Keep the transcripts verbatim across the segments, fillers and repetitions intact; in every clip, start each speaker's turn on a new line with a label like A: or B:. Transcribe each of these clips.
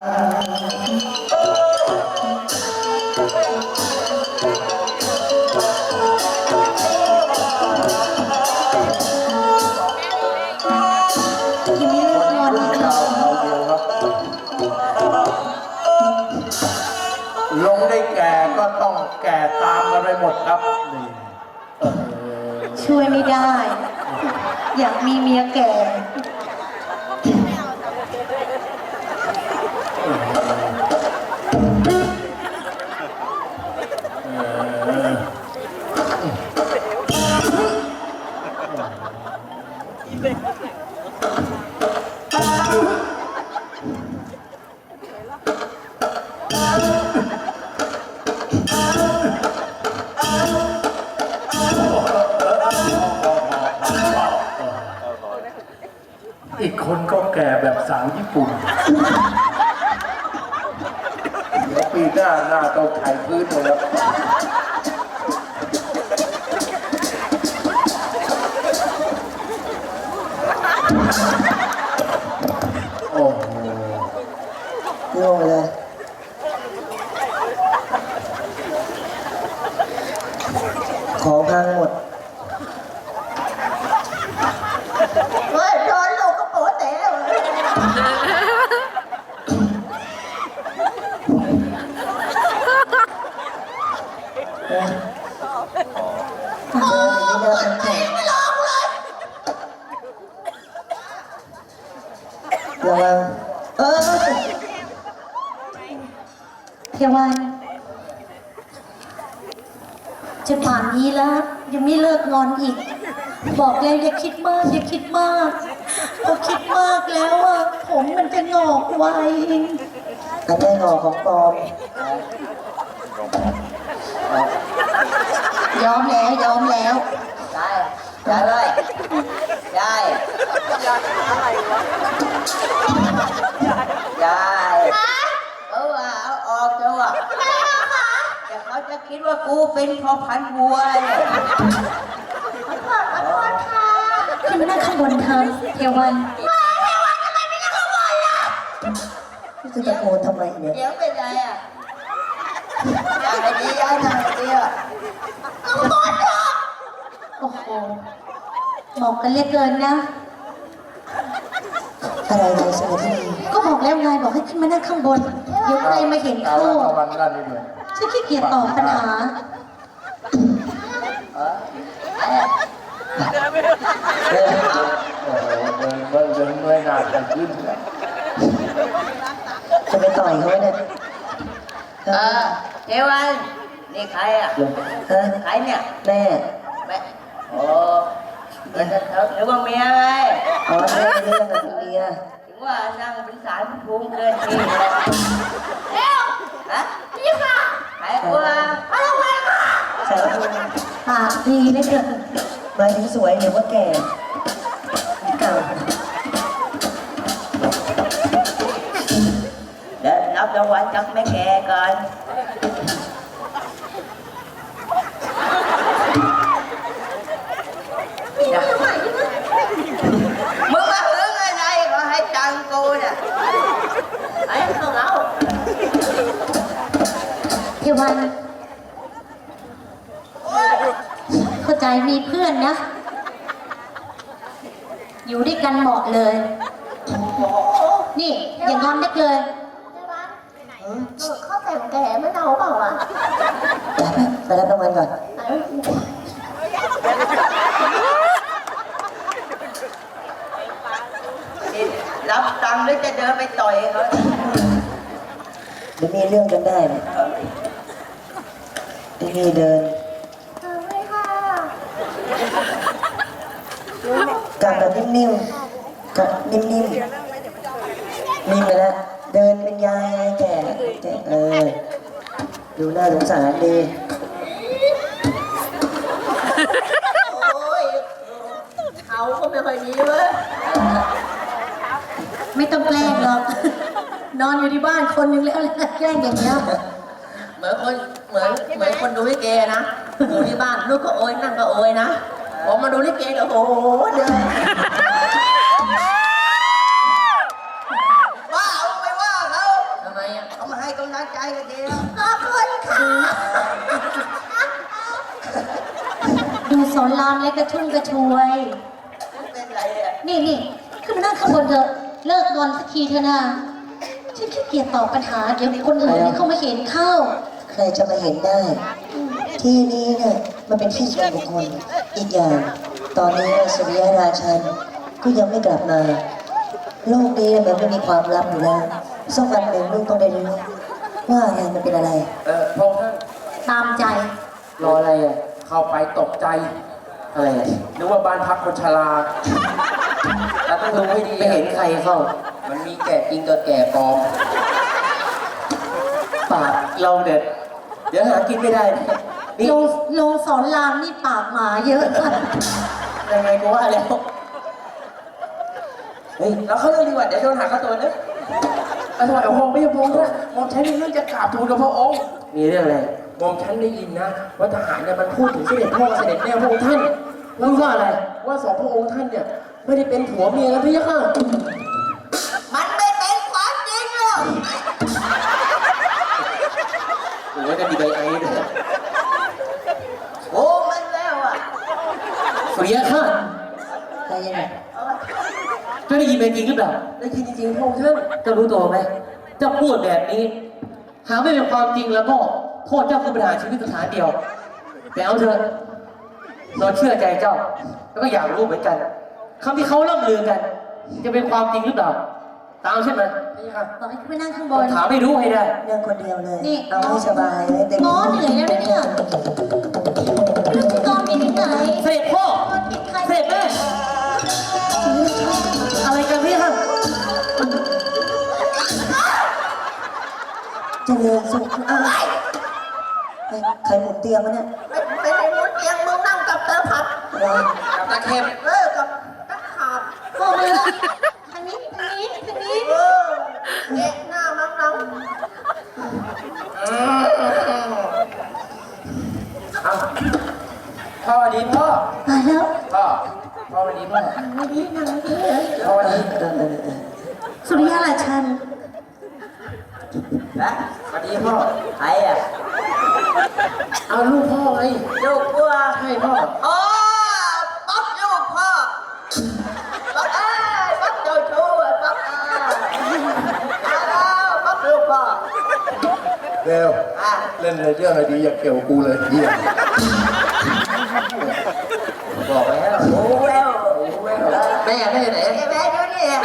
A: ลงได้แก่ก็ต้องแก่ตามกันไปหมดครับนี่
B: ช่วยไม่ได้ อยากมีเมียแก่
A: อีกคนก็แก่แบบสาวญี่ปุ่นเดี๋ยวปีหน้าหน้าต้องไถพื้นเลยครับโอ้โห
C: โง่เลยของพังหมด
B: เฮ้ยโดนลูกก็โป๊ะเต๋อเลยไม่ลองเลย
C: ระวังเออ
B: เทวันจะป่านนี้แล้วยังไม่เลิกงอนอีกบอกแล้วอย่าคิดมากอย่าคิดมากพอคิดมากแล้วอ่ะผมมันจะงอกไว
C: อันนี้งอกของปลอม
B: ยอมแล้วยอมแล้ว
C: ได้ได้เลยได้ได้เออเอาออกเถอะว่ะแต่เขาจะคิดว่ากูเป็นพ่อพันธุ์วัวเลย
B: ขึ้นมานั่งข้างบนเธอเทวัน
C: จะตะโกนทำไมเนี่ยเดี๋ยวเป็นไรอ่ะอะไรดีอะไรดีอ่ะ
B: ข้างบนเถอะโอ้โหบอกกันเล็กเกินนะ
C: อะไรอะไรสวัสดี
B: ก็บอกแล้วไงบอกให้ขึ้นมานั่งข้างบนเดี๋ยวใครมาเห็นเข้าฉันขี้เกียจตอบปัญหา
A: เดินไม่ได้โอ้โหเดินเดินเมื่อยหน้าจะขึ้น
C: จะไปต่อยเขาเนี่ยเออเทวันนี่ใครอ่ะฮะใครเนี่ยแม่แม่โอ้เดี๋ยวเดี๋ยวว่าเมียไงอ๋อเรื่องเรื่องกับเมียถึงว่านั่งเป็นสายภูมิเกินทีเร็วฮะพี่ค่ะใครกลัวอะไรวะสายภูมิ
B: ปากดีนะเกิน
C: หมายถึงสวยหรือว่าแก่เก่าเดี๋ยวรับรางวัลจากแม่แก่ก่อนมึงมาหึงอะไรก็ให้ตังกูเนี่ยไอ้เขาเรา
B: เทวันเข้าใจมีเพื่อนนะอยู่ด้วยกันเหมาะเลยนี่อย่างงอนได้เลยเข้าแต่งแก่ไม่เอาเปล่าอ่ะ
C: ไปรับรางวัลก่อนรับตังค์หรือจะเดินไปต่อยเขาเดี๋ยวมีเรื่องกันได้เนี่ยที่นี่เดินกลับแบบนิ่มๆกับนิ่มๆนิ่มไปแล้วเดินเป็นยายแก่แก่เออดูน่าสงสารดีโอ้ยเขาก็ไม่ค่อยดีเว้ย
B: ไม่ต้องแกล้งหรอกนอนอยู่ที่บ้านคนนึงแล้วแกล้งอย่างเงี้ย
C: เหมือนคนเหมือนเหมือนคนดูลิเกนะอยู่ที่บ้านลูกก็โอยนั่งก็โอยนะผมมาดูลิเกแล้วโอ้โหเดินว่าเอาไปว่าเขาำไมอ่ะเขามาให้กำลังใจกันเดียว
B: ขอบคุณค่ะ ดูสอนรามและกระชุ่มกระชวย
C: เป็นไรอ่ะ
B: นี่นี่ขึ้นมานั่งข้างบนเถอะ เลิกงอนสักทีเถอะนะฉันขี้เกียจตอบปัญหา เดี๋ยวคนอื่นที่เขามาเห็นเข้า
D: ใครจะมาเห็นได้ ที่นี้เนี่ยมันเป็นที่ส่วนบุคคลอีกอย่าง ตอนนี้สุริยราชันก็ยังไม่กลับมา โลกนี้มันไม่มีความลับอยู่แล้วสักวันหนึ่งลูกต้องได้รู้ว่าอะไรมันเป็นอะไร
A: เออพงษ์ท่าน
B: ตามใจ
A: รออะไรอ่ะ เข้าไปตกใจ อะไรอ่ะนึกว่าบ้านพักคนชราแล้วต้องดูให้ดีไม่เห็นใครเข้า มันมีแก่จริงกับแก่ปลอม ปากเราเด็ด เดี๋ยวหากินไม่ได้นะนี่
B: ลงลงสอนรามนี่ปากหมาเยอะค่ะ
A: ยังไงกูว่าแล้ว เฮ้ยเราเข้าเรื่องดีกว่า เดี๋ยวโดนหักค่าตัวนะอร่อยโอ้โหไม่ใช่พงษ์นะมอมฉันมีเรื่องจะกราบทูลกับพระองค์ มีเรื่องอะไรมอมฉันได้ยินนะ ว่าทหารเนี่ยมันพูดถึงเสด็จพ่อเสด็จแม่พระองค์ท่านพูดว่าอะไร ว่าสองพระองค์ท่านเนี่ยไม่ได้เป็นผัวเมียกันพี่ยักษ์
C: มันไม่เป็นความจริงหรอก
A: หรือว่าจะมีใบไอ้ด้วย
C: โอ้มันแล้วอ่ะ
A: สุริยะข้า
D: อะไรยังไง
A: จะได้ยินเป็นจริงหรือเปล่าได้ยินจริงๆพระองค์ท่านจะรู้ตัวไหมจะพูดแบบนี้ หากไม่เป็นความจริงแล้วก็โทษเจ้าคือปัญหารชีวิตสถานเดียว แต่เอาเถอะเราเชื่อใจเจ้า แล้วก็อยากรู้เหมือนกันคำที่เขาล่ำลือกัน จะเป็นความจริงหรือเปล่า ตามใช่ไหมนี่ค่ะ
B: บอกให้ขึ้นไปนั่งข้างบ
A: ต้อน งถามให้รู้ให้ได้
D: เรื่องคนเดียวเลย
B: นี่
D: เอาให้สบายให้เต็ม
B: ง้อเหนื่อยแล้วนะเนี่ยไม่รู้จะกองไปถึงไหน
A: เสด็จพ่อ
B: ติดใคร
A: เสด็จแม่ อะไรกันพี่ค่ะ
D: เจริญสุขอ้าวเฮ้ยใครหมุนเตียงวะเนี่ย
C: ไม่เป็นไอ้มุดเตียงมึงนั่งกับเตอผัด
D: อะไร
A: กับตาเข็ม
C: เออกับตะขาบ
B: พ่อมาทางนี้ทางนี้ทางนี้
C: เออแงะหน้ามังนัง
A: เอาพ่อวันนี้พ่อ
B: ตายแล้ว
A: พ่อ พ่อวันนี้พ่อ
B: ไม่ดีนางไม่ดี
A: พ่อวันนี้
D: เออเออเออ
B: สุริยะราชัน
C: นะ
A: วันนี้พ่อ
C: ใครอ่ะ
A: เอาลูกพ่อไง
C: ลูกวัว
A: ใช่พ่อ
C: อ๋อป๊อกลูกพ่อป๊อกเอ้ยป๊อกโจชูป๊อกเอ้ยอ้าวป๊อกลูกพ่อ
A: เร็ว
C: อ่ะ
A: เล่นเรื่องอะไรดีอย่าเกี่ยวกูเลยเฮียบอกแล้ว
C: โอ้แวว
A: แม่แม่ไหน
C: ไอ้แม่ดูนี่แม่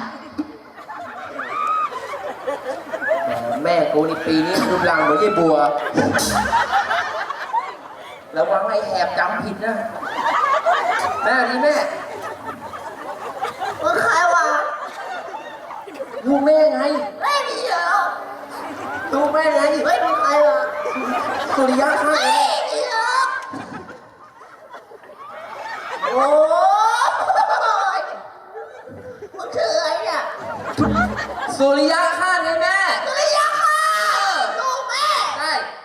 A: แม่กูนี่ปีนี้รูปร่างเหมือนยายบัวระวังไอ้แหบจำผิดนะแม่นี่แม่
C: มึงใครวะ
A: ลูกแม่ไง
C: ไม่มีเหรอ
A: ลูกแม่ไง
C: ไม่มีใครวะ
A: สุริยะข้า
C: ไม่มีเหรอโอ้ยมึงชื่ออะไรเนี่ย
A: สุริยะข้าไงแม่
C: สุริยะค่ะลูกแม่
A: ใช่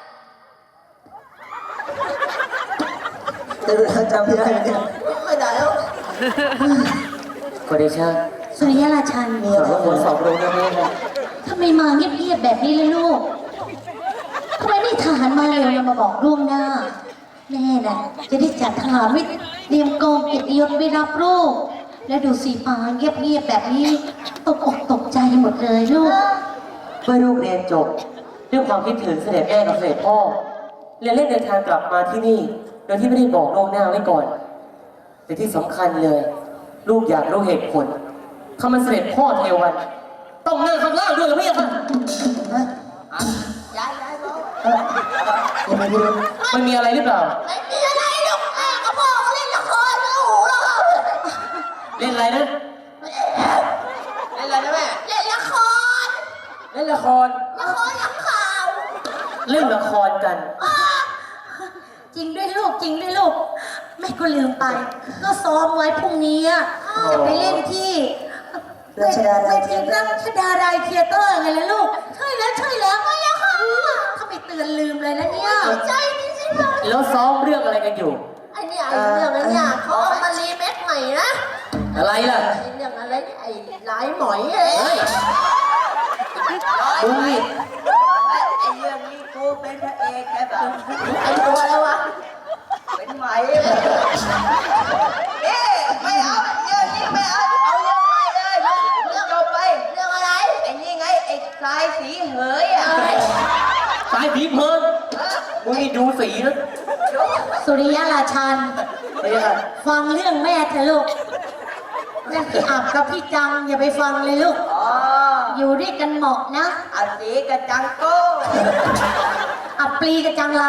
D: เจริญจำไม่ได้เนี่ย
C: ไม่ได้แล้ว
A: ขอเดชะ
B: สุริยะราชัน
D: มีอะไร
A: ขอสอบรู้นะแม่นะ
B: ทำไมมาเงียบๆแบบนี้เลยลูกทำไมไม่ทหารมาเร็วแล้วมาบอกล่วงหน้า แม่น่ะจะได้จัดทหารไว้เตรียมกองเกียรติยศไว้รับลูกแล้วดูสีฟ้าเงียบๆแบบนี้ตกอกตกใจหมดเลยลูก
E: เมื่อลูกเรียนจบด้วยความคิดถึงเสด็จแม่กับเสด็จพ่อและเล่นเดินทางกลับมาที่นี่ โดยที่ไม่ได้บอกล่วงหน้าไว้ก่อน แต่ที่สำคัญเลย ลูกอยากรู้เหตุผลทำไมเสด็จพ่อเทวันต้องนั่งข้างล่างด้วยหรือไม่คะ
D: ฮะ
C: ย้ายย้ายบอก
D: เออยังไม่รู้
E: มันมีอะไรหรือเปล่า
C: ไม่มีอะไรลูกแม่กับพ่อเขาเล่นละครแล้วหูเรา
E: เล่นอะไรนะ
C: เล่นอะไรนะแม่เล่นละคร
A: เล่นละคร
C: ละครยังข่าว
E: เล่นละครกัน
B: จริงด้วยลูกจริงด้วยลูกแม่ก็ลืมไป ก็ซ้อมไว้พรุ่งนี้อะจะไปเล่นที่เวทีรัชดาลัยเธียเตอร์ไงล่ะลูกใช่แล้วใช่แล้วไม่อะค่ะถ้าไปเตือนลืมเลยนะเนี่ยใจนี่สิคะ
E: แล้วซ้อมเรื่องอะไรกันอยู่
C: ไอ้เนี่ยไอ้เรื่องไอ้เนี่ยเขาเอามารีเมคใหม่นะ
E: อะไรล่ะ
C: ไอ้เรื่องอะไรเนี่ยไอ้หลายหมอยเอ้
E: เฮ้
C: ย
E: ย
A: มึงนี่
C: ไอ้ไอ้เรื่องนี้กูเป็นพระเอกแกแบบเป็นตัวแล้ววะเป็นไหมเอ๊ะไม่เอาเรื่องนี้ไม่เอาเอาเรื่องใหม่เลยเรื่องจบไปเรื่องอะไรไอ้นี่ไงไอ้สายสีเหยอ่ะ
A: สายผีเพลินมึงนี่ดูสีนะ
B: สุริยราชัน
A: ไม่ใช่
B: ฟังเรื่องแม่เถอะลูกเรื่องพี่อับกับพี่จังอย่าไปฟังเลยลูก
C: อ๋อ
B: อยู่ด้วยกันเหมาะนะ
C: อันสีกระจังโก้
B: อับปลีกับจังไร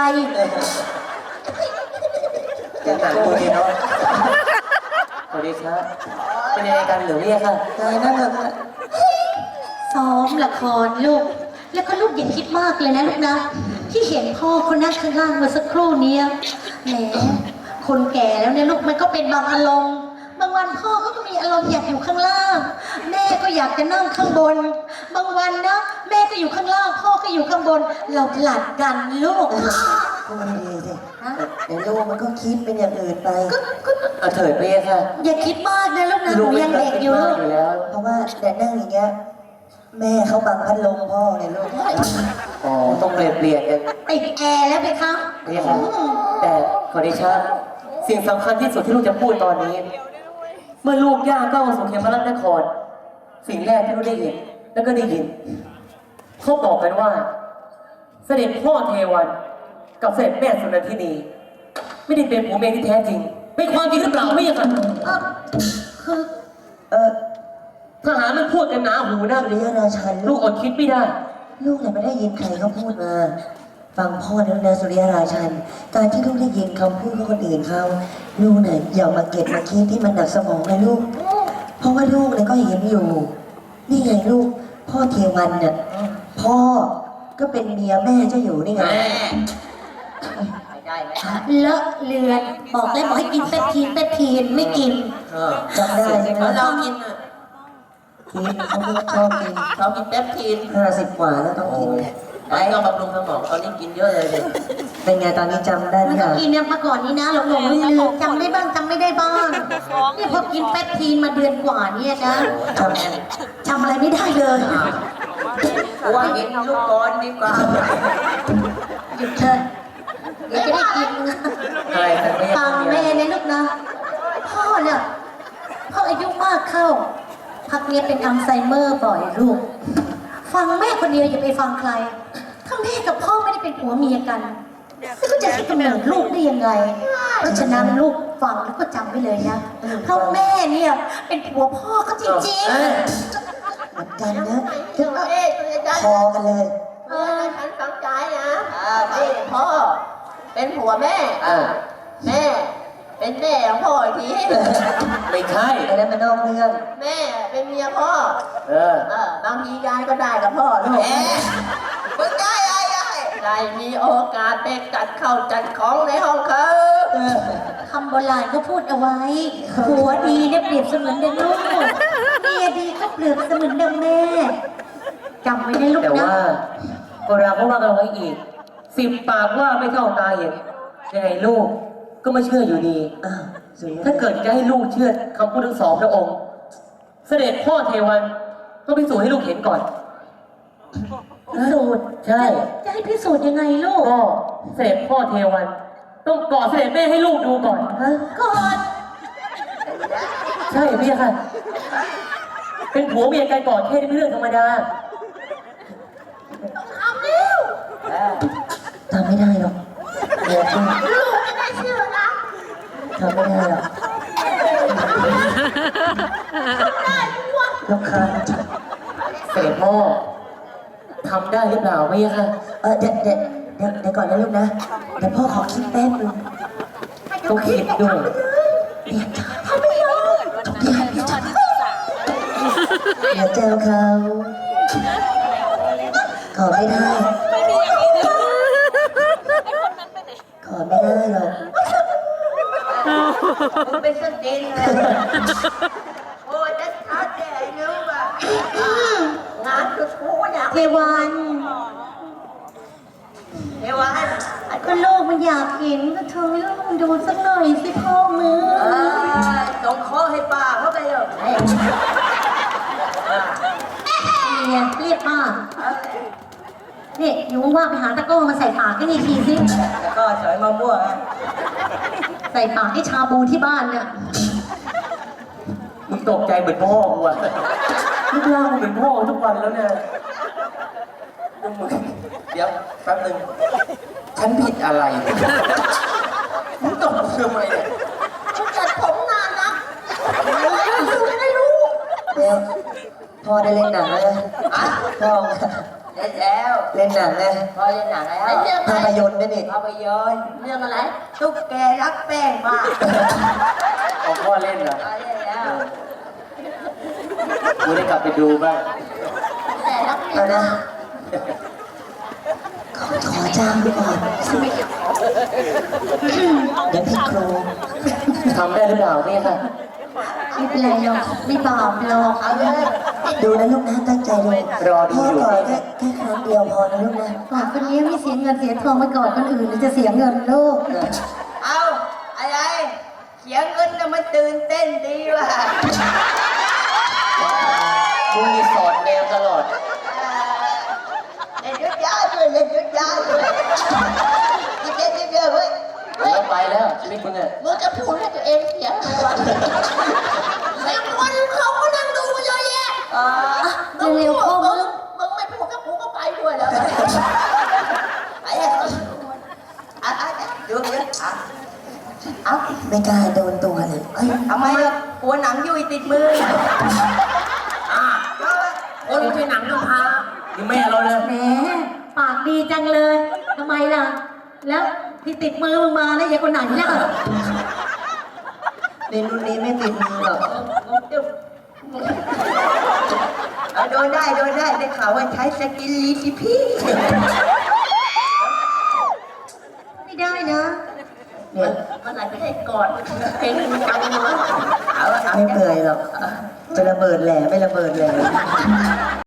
A: จะหนังตัวนี้เนาะสวัสดีครับเป็นยังไงกันหรือเนี่ยค่ะ
D: ตายนั่งเถอะ
B: ซ้อมละครลูก แล้วก็ลูกอย่าคิดมากเลยนะลูกนะ ที่เห็นพ่อคนนั่งข้างล่างเมื่อสักครู่เนี้ยแหมคนแก่แล้วเนี่ยลูกมันก็เป็นบางอารมณ์ บางวันพ่อเขาก็มีอารมณ์อยากอยู่ข้างล่าง แม่ก็อยากจะนั่งข้างบน บางวันนะแม่ก็อยู่ข้างล่าง พ่อก็อยู่ข้างบน เราผลัดกันลูก
D: พูดดีๆสิเดี๋ยวลูกมันก็คิดเป็นอย่างอื่นไป
A: เอาเถิดไปเลยค่ะ
B: อย่าคิดมากนะลูกนะหนูยังเด็กอยู่ลูก
A: อยู่แล้ว
D: เพราะว่าแต่นั่งอย่างเงี้ยแม่เขาบังพัดลมพ่อเนี่ยลูก
A: อ๋อต้องเปลี่ยนเปลี่ยนกัน
B: ติดแอร์แล้วไปคะ
A: นี่ครับแต่ขอเดชะสิ่งสำคัญที่สุดที่ลูกจะพูดตอนนี้ เมื่อลูกย่างก้าวมาสู่เขมรนคร สิ่งแรกที่ลูกได้เห็นแล้วก็ได้ยินเขาบอกกันว่า เสด็จพ่อเทวันกับเสด็จแม่สุนันทินี ไม่ได้เป็นผัวเมียที่แท้จริงเป็นความจริงหรือเปล่าไม่ใช่ค่ะ
B: เออคือ
D: เออ
A: ทหารมันพูดกันหนาหูนะ
D: สุริยราชัน
A: ลู
D: ลู
A: ก
D: ก
A: อดคิดไม่ได้
D: ลูกเนี่ยไม่ได้ยินใครเขาพูดมา ฟังพ่อนะนะสุริยราชัน การที่ลูกได้ยินคำพูดของคนอื่นเขาลูกเนี่ยอย่ามาเก็บมาคิดที่มันหนักสมองนะลูก เพราะว่าลูกเนี่ยก็เห็นอยู่ นี่ไงลูก พ่อเทวันเนี่ยพ่อก็เป็นเมียแม่เจ้าอยู่นี่ไง
C: แม่ไม่ได้ไหม
B: เลอะเลือนบอกแล้วบอกให้กินเปปทีนเปปทีนไม่กิน
D: จำได้ใช่ไหม
C: เรากินอ่ะ
D: กินเขาไม่ชอบกิน
C: เรากินแป๊บทีน
D: ห้าสิบกว่าแล้วต้องกิน
C: ไอ้ก็บำรุงสมองตอนนี้กินเยอะเลยเลย
D: เป็นไงตอนนี้จำได้ไหม
B: มัน
D: ค
B: ก็
D: รับ
B: กินเนี่ยมาก่อนนี้นะหลงหลงลืมลืมจำได้บ้างจำไม่ได้บ้างนี่พอกินเปปทีนมาเดือนกว่าเนี่ยนะ
D: จำ
B: จำอะไรไม่ได้เลย
C: กูว่ากินลูกบอลดีกว่า
B: หยุดเถอะเดี๋ยวจะได้กินนะ
A: อะไรกันไม่
B: ฟังแม่นะลูกนะ พ่อเนี่ยพ่ออายุมากเข้า พักเนี้ยเป็นอัลไซเมอร์บ่อยลูก ฟังแม่คนเดียวอย่าไปฟังใคร ถ้าแม่กับพ่อไม่ได้เป็นผัวเมียกันแล้วก็จะให้กำเนิดลูกได้ยังไง เพราะฉะนั้นลูกฟังแล้วก็จำไว้เลยนะเพราะแม่เนี่ยเป็นผัวพ่อเขาจริง
A: เอ้ย
D: เหมือนกันนะ
C: เอ๊ะตัวจะ
D: พอกันเลย
C: เออฉันสนใจนะอ่านี่พ่อ เป็นผัวแม่
A: อ่า
C: แม่ เป็นแม่ของพ่ออีกที
A: ไม่ใช่
D: ไอ้นั้นมันนอกเรื่อง
C: แม่เป็นเมียพ่อ
A: เออ
C: เออบางทียายก็ได้กับพ่อลูกมึงได้ยายยายได้มีโอกาสไปจัดเข้าวจัดของในห้องเขา
B: ๆคำโบราณก็พูดเอาไว้ ผัวดีเนี่ยเปรียบเสมือนดังลูกเมียดีก็เปรียบเสมือนดังแม่จำไว้นะลูก
A: แต่
B: นะ
A: ว่าโบราณเขาว่ากันไว้อีกสิบปากว่าไม่เท่าตาเห็นยังไงลูกก็ไม่เชื่ออยู่ดี
D: อ้าวสุริย
A: ถ้าเกิดจะให้ลูกเชื่อคำพูดทั้งสองพระองค์ เสด็จพ่อเทวันต้องพิสูจน์ให้ลูกเห็นก่อน
B: พิสูจน์
A: ใช่
B: จะให้พิสูจน์ยังไงลูก
A: ก็เสด็จพ่อเทวัน ต้องกอดเสด็จแม่ให้ลูกดูก่อน
D: ฮะ
B: ก่อน
A: ใช่พี่ค่ะ เป็นผัวเมียกันก่อนแค่นี้เป็นเรื่องธรรมดา
B: ทำเร็ว
D: ทำไม่ได้หรอกเดี๋ยวพูด
B: ลูกไม่ได้เชื่อนะ
D: ทำไม่ได้หรอก
B: ได้ทุกวัน
D: รำคาญ
A: เสด็จพ่อทำได้หรือเปล่าพี่ค่ะ
D: เออเดี๋ยวเดี๋ยวเดี๋ยวเดี๋ยวก่อนนะลูกนะ เดี๋ยวพ่อขอคิดแป๊บนึง
A: ต้องคิดด้วย
D: เรียกจ้าทำไม่ยอมทุกอย่างเรียกจ้าอย่าเจ้าเขาขอไม่ได้ ขอไม่ได้หรอก
C: มึงเป็นสตินเลยโอ้ยจะทัดแต่ไอ้นิ้วแบบงานคือกูอยาก
B: เทวัน
C: เทวัน
B: ก็ลูกมันอยากเห็นก็เธอลูกมันดูสักหน่อยสิพ่อมือ
C: เออส่งข้อให้ป้าเขาไปเลย
B: มเรียนเรียกป้านี่อยู่ว่างๆไปหาตะกร้อมาใส่ปากกันอีกทีสิ
C: แล้วก็สอยมะม่วงอ่ะ
B: ใส่ปากที่ชาบูที่บ้านเนี่ย
A: มึงตกใจเหมือนพ่อกูอะรูปร่างมึงเหมือนพ่อทุกวันแล้วเนี่ยมึงเดี๋ยวแป๊บนึงฉันผิดอะไรมึงตกทำไมเนี่ย
B: ฉันจัดผมนานนะดูไม่ได้รู้
D: เดี๋ยวพ่อได้เล่นหนังแล้วนะ
C: อ่ะ
D: พ่อ
C: เล่นแล้ว
D: เล่นหนังนะ
C: พอเล่นหนังแล้ว
B: เรื่อง
D: ภา
B: อะไร
D: พยนตร์ด้วยนี่
C: ภาพยนตร์
B: เรื่องอะไร
C: ตุ๊กแกรักแป้งมาก
A: เอาพ่อเล่นเหรอ
C: พอเล่นแล้ว
A: กูได้กลับไปดูบ้าง
B: แต่ละ
D: เอานะขอขอจ้างดูก่อนเดี๋ยวพี่ครู
A: ทำได้หรือเปล่าเนี่ยค่ะ
B: ไม่เป็นไรหรอกไม่บาปหรอก
C: เอาเลย
D: ดูนะลูกนะตั้งใจดู
A: รอดู
D: พ่อ
A: อยู่
D: ก่อนแค่แค่ครั้งเดียวพอนะลูกนะ
B: ก่อนคนนี้ไม่เสียเงินเสียทองไปก่อนคนอื่นหรือจะเสียเงินลูก
C: เอาอะไรเสียงเงินน่ะมันตื่นเต้นดีว่ะ
A: มึงมีสอดแนวตลอด
C: เล่นยุดยาด้วยเล่นยุดยาด้วยยิบเยอะยิบเยอะเว้ย
A: แล้วไปแล้วชีวิตมึงอะ
B: มึงจะพูดให้ตัวเองเสียทำไมวะแม่งคนเขาก็นั่งดูเยอะแยะ
C: อ่า
B: เร็วๆพ่อมึง
C: มึงไม่พูดกับกูก็ไปด้วยแล้วไปเลยอ่ะอ่ะดูเยอะอ่ะเอา
D: ไม่กล้าโดนตัวเลยเอ้ย
C: ทำไมอ่ะกลัวหนังยุ่ยติดมืออ่ะคนไม่ใช่หนังน้ำพา
A: นี่แม่เราเลย
B: แหมปากดีจังเลยทำไมล่ะ แล้วที่ติดมือมึงมาแล้วยายคนไหนล่ะ
D: ในรุ่นนี้ไม่ติดมือหรอก
C: เอาโดนได้โดนได้ได้ข่าวว่าใช้สกินลีสิพี่
B: ไม่ได้นะ
D: เนี่ย
B: มันไหนไม่ได้ก่อนเพลงมันจังเลย
C: เอาเอา
D: ไม่เปื่อยหรอกจะระเบิดแหล่ไม่ระเบิดแหล่